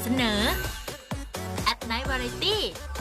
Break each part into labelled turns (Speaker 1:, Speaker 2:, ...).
Speaker 1: นอ At Night Variety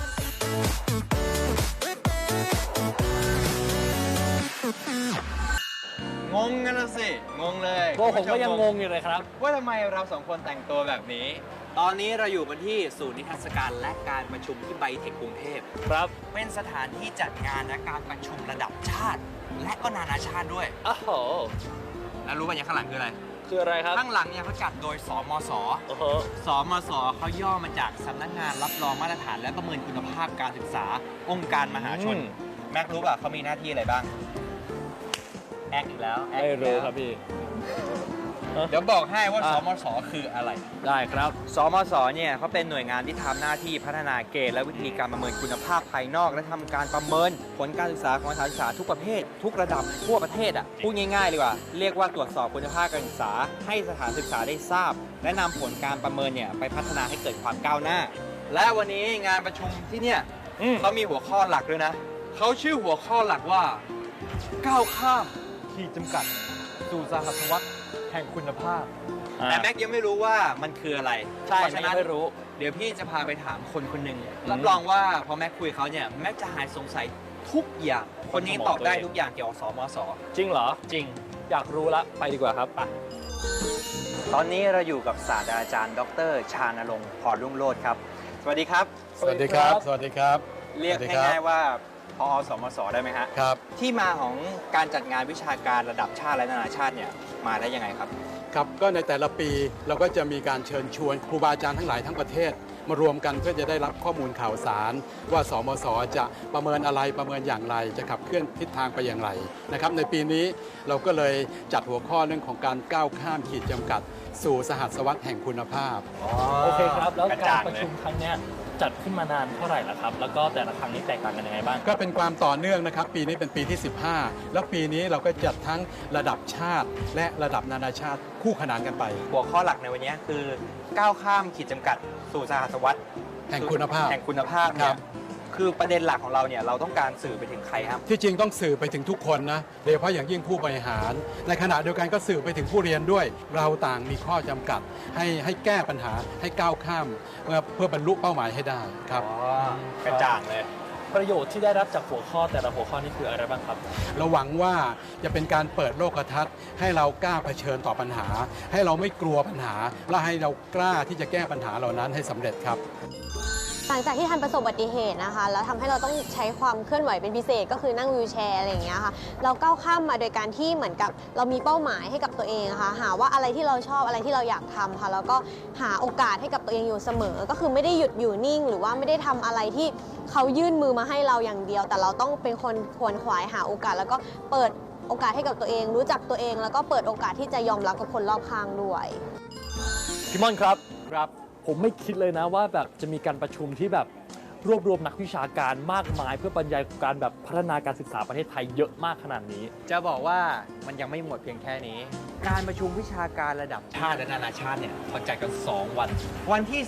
Speaker 2: งงกันนะสิงงเลย
Speaker 3: พวกผมก็ยังงงอยู่เลยครับ
Speaker 2: ว่าทำไมเราสองคนแต่งตัวแบบนี้ ตอนนี้เราอยู่กันที่ศูนย์นิทรรศการและการประชุมที่ไบเทคกรุงเทพ
Speaker 3: ครับ
Speaker 2: เป็นสถานที่จัดงานและการประชุมระดับชาติ และก็นานาชาติด้วย
Speaker 3: อ้าวโห
Speaker 2: แล้วรู้ป่ะอย่างข้างหลังคืออะไร
Speaker 3: คืออะไรครับ
Speaker 2: ข้างหลังเนี่ยเขาจัดโดยสมส
Speaker 3: โอ้โห
Speaker 2: สมสเขาย่อมาจากสำนักงานรับรองมาตรฐานและประเมินคุณภาพการศึกษา องค์การมหาชน แม็กรู้ป่ะเขามีหน้าที่อะไรบ้าง แอคอีกแล้วแอค
Speaker 3: ไม่
Speaker 2: อีก
Speaker 3: รู้
Speaker 2: แล้ว
Speaker 3: ครับพี่
Speaker 2: เดี๋ยวบอกให้ว่า
Speaker 3: อ่ะ
Speaker 2: สมสคืออะไร
Speaker 3: ได้ครับ
Speaker 2: สมสเนี่ยเขาเป็นหน่วยงานที่ทำหน้าที่พัฒนาเกณฑ์และวิธีการประเมินคุณภาพภายนอก และทำการประเมินผลการศึกษาของสถานศึกษาทุกประเภท ทุกระดับทั่วประเทศอ่ะพูดง่ายๆเลยว่าเรียกว่าตรวจสอบคุณภาพการศึกษาให้สถานศึกษาได้ทราบ และนำผลการประเมินเนี่ยไปพัฒนาให้เกิดความก้าวหน้า และวันนี้งานประชุมที่เนี่ยเขามีหัวข้อหลักด้วยนะเขาชื่อหัวข้อหลักว่าก้าวข้ามขีดจำกัดสู่สหัสวรรษแห่งคุณภาพ แต่แม็กยังไม่รู้ว่ามันคืออะไร
Speaker 3: ใช่
Speaker 2: เพราะฉะนั้น
Speaker 3: ไม่รู้
Speaker 2: เดี๋ยวพี่จะพาไปถามคนคนหนึ่งรับรองว่าพอแม็กคุยเขาเนี่ยแม็กจะหายสงสัยทุกอย่าง คนนี้ตอบได้ทุกอย่างเกี่ยวกับสมส
Speaker 3: จริงเหรอ
Speaker 2: จริง
Speaker 3: อยากรู้ละไปดีกว่าครับไป
Speaker 2: ตอนนี้เราอยู่กับศาสตราจารย์ดร.ชานรงค์พรรุ่งโรจน์ครับ สวัสดีครับ
Speaker 4: สวัสดีครับ สวัสดีครับ
Speaker 2: เรียก
Speaker 4: สวัสดีครับ
Speaker 2: ง่ายๆว่าพอสมสได้ไหมฮะ
Speaker 4: ครับ
Speaker 2: ที่มาของการจัดงานวิชาการระดับชาติและนานาชาติเนี่ยมาได้ยังไงครับ
Speaker 4: ครับ ก็ในแต่ละปีเราก็จะมีการเชิญชวนครูบาอาจารย์ทั้งหลายทั้งประเทศ มารวมกันเพื่อจะได้รับข้อมูลข่าวสาร ว่าสมสจะประเมินอะไรประเมินอย่างไร จะขับเคลื่อนทิศทางไปอย่างไรนะครับในปีนี้เราก็เลยจัดหัวข้อเรื่องของการก้าวข้ามขีดจำกัด สู่สหัสวรรษแห่งคุณภาพ
Speaker 3: โอเคครับ แล้ว
Speaker 2: กระ
Speaker 3: กา
Speaker 2: จ่าร ง
Speaker 3: ประชุมครั้งเนี้ยจัดขึ้นมานานเท่าไหร่แล้วครับ แล้วก็แต่ละครั้งนี้แตกต่างกันยังไงบ้าง
Speaker 4: ก็เป็นความต่อเนื่องนะครับ ปีนี้เป็นปีที่ 15 แล้วปีนี้เราก็จัดทั้งระดับชาติและระดับนานาชาติคู่ขนานกันไป
Speaker 2: หัวข้อหลักในวันนี้คือก้าวข้ามขีดจำกัดสู่สหัสวรรษ
Speaker 4: แห่งคุณภาพ
Speaker 2: แห่งคุณภาพ
Speaker 4: ค
Speaker 2: เนี่
Speaker 4: รั
Speaker 2: ย
Speaker 4: บ
Speaker 2: คือประเด็นหลักของเราเนี่ยเราต้องการสื่อไปถึงใครครับ
Speaker 4: ที่จริงต้องสื่อไปถึงทุกคนนะโดยเฉพาะอย่างยิ่งผู้บริหาร ในขณะเดียวกันก็สื่อไปถึงผู้เรียนด้วย เราต่างมีข้อจำกัดให้แก้ปัญหาให้ก้าวข้ามเพื่อบรรลุเป้าหมายให้ได้ครับ
Speaker 2: กระจ่างเลย
Speaker 3: ประโยชน์ที่ได้รับจากหัวข้อแต่ละหัวข้อนี้คืออะไรบ้างครับ
Speaker 4: เราหวังว่าจะเป็นการเปิดโลกทัศน์ให้เรากล้าเผชิญต่อปัญหา ให้เราไม่กลัวปัญหา และให้เรากล้าที่จะแก้ปัญหาเหล่านั้นให้สำเร็จครับ
Speaker 5: หลังจากที่ทันประสบอุบัติเหตุนะคะแล้วทำให้เราต้องใช้ความเคลื่อนไหวเป็นพิเศษก็คือนั่งวีลแชร์อะไรอย่างเงี้ยค่ะเราก้าวข้ามมาโดยการที่เหมือนกับเรามีเป้าหมายให้กับตัวเองค่ะหาว่าอะไรที่เราชอบอะไรที่เราอยากทำค่ะแล้วก็หาโอกาสให้กับตัวเองอยู่เสมอ ก็คือไม่ได้หยุดอยู่นิ่ง หรือว่าไม่ได้ทำอะไรที่เขายื่นมือมาให้เราอย่างเดียว แต่เราต้องเป็นคนขวนขวายหาโอกาส แล้วก็เปิดโอกาสให้กับตัวเอง รู้จักตัวเอง แล้วก็เปิดโอกาสที่จะยอมรับกับคนรอบข้างด้วย
Speaker 3: พี่ม่อนครับ ครับ ผมไม่คิดเลยนะว่าแบบจะมีการประชุมที่แบบรวบรวมนักวิชาการมากมาย เพื่อบรรยายการแบบพัฒนาการศึกษาประเทศไทยเยอะมากขนาดนี้
Speaker 2: จะบอกว่ามันยังไม่หมดเพียงแค่นี้ การประชุมวิชาการระดับชาติและนานาชาติเนี่ยเขาจัดกัน 2 วัน วันที่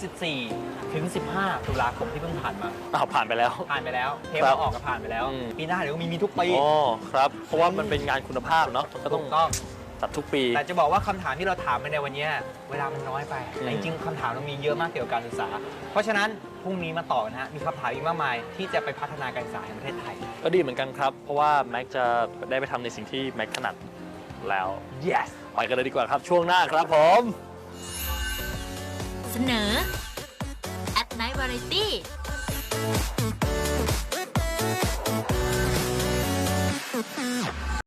Speaker 2: 14 ถึง 15 ตุลาคมที่เพิ่งผ่านมา
Speaker 3: ผ่านไปแล้ว
Speaker 2: ผ่านไปแล้วเทป
Speaker 3: ครับ
Speaker 2: ออกก็ผ่านไปแล้ว
Speaker 3: อืม
Speaker 2: ปีหน้าเดี๋ยวมีทุกปี
Speaker 3: อ๋อครับ เพราะว่ามันเป็นงานคุณภาพเนาะมันก็ต้อง
Speaker 2: ถูกต้อง
Speaker 3: จัดทุกปี
Speaker 2: แต่จะบอกว่าคำถามที่เราถามไปในวันนี้เวลามันน้อยไป
Speaker 3: อืม
Speaker 2: แต่จริงๆคำถามเรามีเยอะมากเกี่ยวกับการศึกษา เพราะฉะนั้นพรุ่งนี้มาต่อนะฮะมีคำถามอีกมากมายที่จะไปพัฒนาการศึกษาในประเทศไทย
Speaker 3: ก็ดีเหมือนกันครับ เพราะว่าแม็กจะได้ไปทำในสิ่งที่แม็กถนัดแล้ว
Speaker 2: yes
Speaker 3: ไปกันเลยดีกว่าครับช่วงหน้าครับผม
Speaker 1: เสนอ At Night Variety